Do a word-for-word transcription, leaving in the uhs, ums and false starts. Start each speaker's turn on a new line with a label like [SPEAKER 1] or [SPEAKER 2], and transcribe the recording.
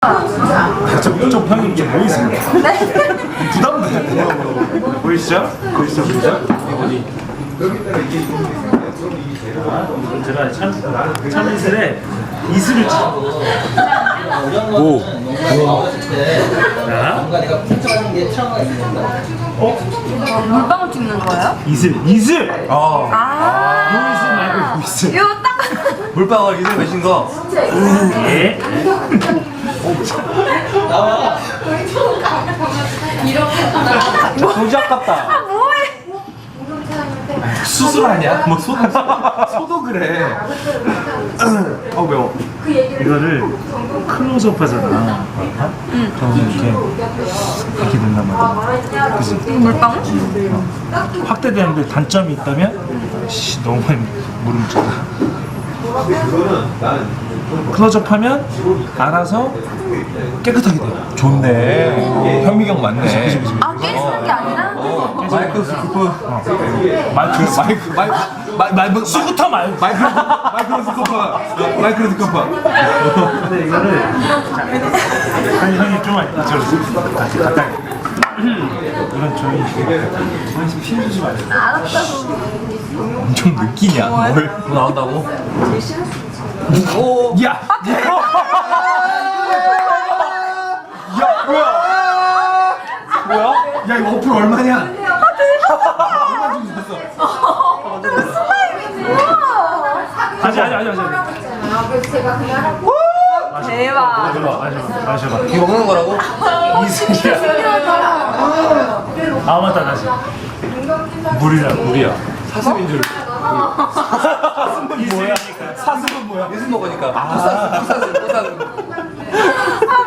[SPEAKER 1] 좀, 좀 형님 좀 보이십니까?
[SPEAKER 2] 네.
[SPEAKER 1] 부담돼. 보이시죠? 보이시죠? 보이시죠? 어디? 제가 참, 참이슬에 이슬을 치. 오. 자. 어?
[SPEAKER 2] 물방울 찍는 거예요?
[SPEAKER 1] 이슬, 이슬.
[SPEAKER 3] 어.
[SPEAKER 2] 아.
[SPEAKER 1] 보이슬 말고 보이슬.
[SPEAKER 2] 이거 딱.
[SPEAKER 3] 물방울 이슬 맺힌 거.
[SPEAKER 1] 예.
[SPEAKER 3] 도지 아깝다.
[SPEAKER 2] 아 뭐해?
[SPEAKER 3] 수술하냐? 뭐 소, 소도 그래.
[SPEAKER 1] 어 매워. 이거를 클로즈업 하잖아. 응. 그러면 이렇게 이렇게 된단 말이야. 그지?
[SPEAKER 2] 물방울?
[SPEAKER 1] 확대되는데 단점이 있다면 씨, 너무 많이 물을 묻잖아. 클로즈업하면 알아서 깨끗하게 돼요.
[SPEAKER 3] 좋네. 현미경 맞네.
[SPEAKER 2] 아 깨지는 게 아니라?
[SPEAKER 3] 어, 마이크 스코프.
[SPEAKER 1] 어. 마이크
[SPEAKER 3] 마이크 마이크 마이크 마이크
[SPEAKER 1] 스쿠터 말고.
[SPEAKER 3] 마이크 마이크로 스코프. 마이크로 스코프.
[SPEAKER 1] 근데 이거를 자, 아니 형이 좀 이쪽으로 다시 가까이. 이건 저희 저희 집 피해주지 마세요.
[SPEAKER 2] 알았다고.
[SPEAKER 3] 엄청 느끼냐? 뭘? 뭐 나온다고? 오.
[SPEAKER 1] 야.
[SPEAKER 3] 야 뭐야? 뭐야? 야 이거 어플 얼마냐? 얼마 주고 샀어?
[SPEAKER 1] 아직 아직 아직 아직.
[SPEAKER 2] 대박.
[SPEAKER 1] 마셔봐 마셔봐 마셔봐.
[SPEAKER 3] 이거 먹는 거라고?
[SPEAKER 1] 이슬이야. 아 맞다 다시. 물이야 물이야.
[SPEAKER 3] 사슴인 줄.
[SPEAKER 1] 사슴은 뭐야?
[SPEAKER 3] 사슴은 뭐야? 예술 먹으니까. 아. 사슴 사슴 사슴.